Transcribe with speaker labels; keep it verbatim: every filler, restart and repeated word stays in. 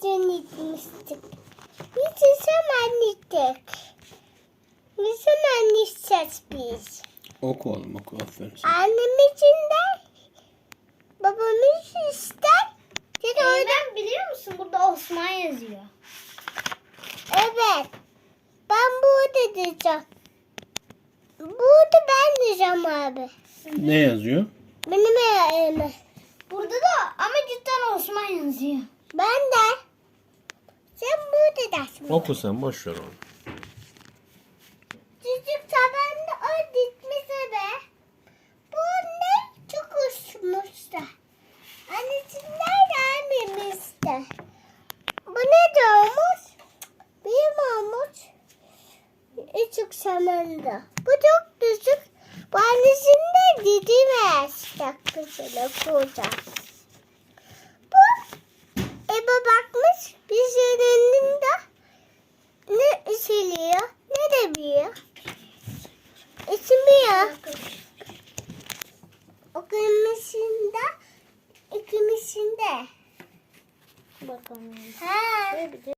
Speaker 1: için gitmiştik. Biz ne zaman gittik? Ne zaman gideceğiz biz?
Speaker 2: Oku oğlum oku. Aferin sana.
Speaker 1: Annem için de babamız ister. Bir de orada...
Speaker 3: Eymen biliyor musun? Burada Osman yazıyor.
Speaker 1: Evet. Ben burada diyeceğim. Burada ben diyeceğim abi.
Speaker 2: Ne yazıyor?
Speaker 1: Benim elime.
Speaker 3: Burada da ama cidden Osman yazıyor.
Speaker 1: Ben de. Sen burada dersin.
Speaker 2: Oku sen boş ver onu.
Speaker 1: Çocuk tabanda o gitmiş be. Bu ne? Çok uçmuş da. Annesinden gelmemişti. Bu ne de olmuş? Benim olmuş. Küçük samanda. Bu çok düşük. Bu annesinde gidemez. Dakikasıyla kuracak. Bu Ebe bakmış. Bir şeylerin de ne isiliyor ne de biliyor. İsmiyor. O kırmızında ikimizinde.
Speaker 3: Bakalım.
Speaker 1: Ha.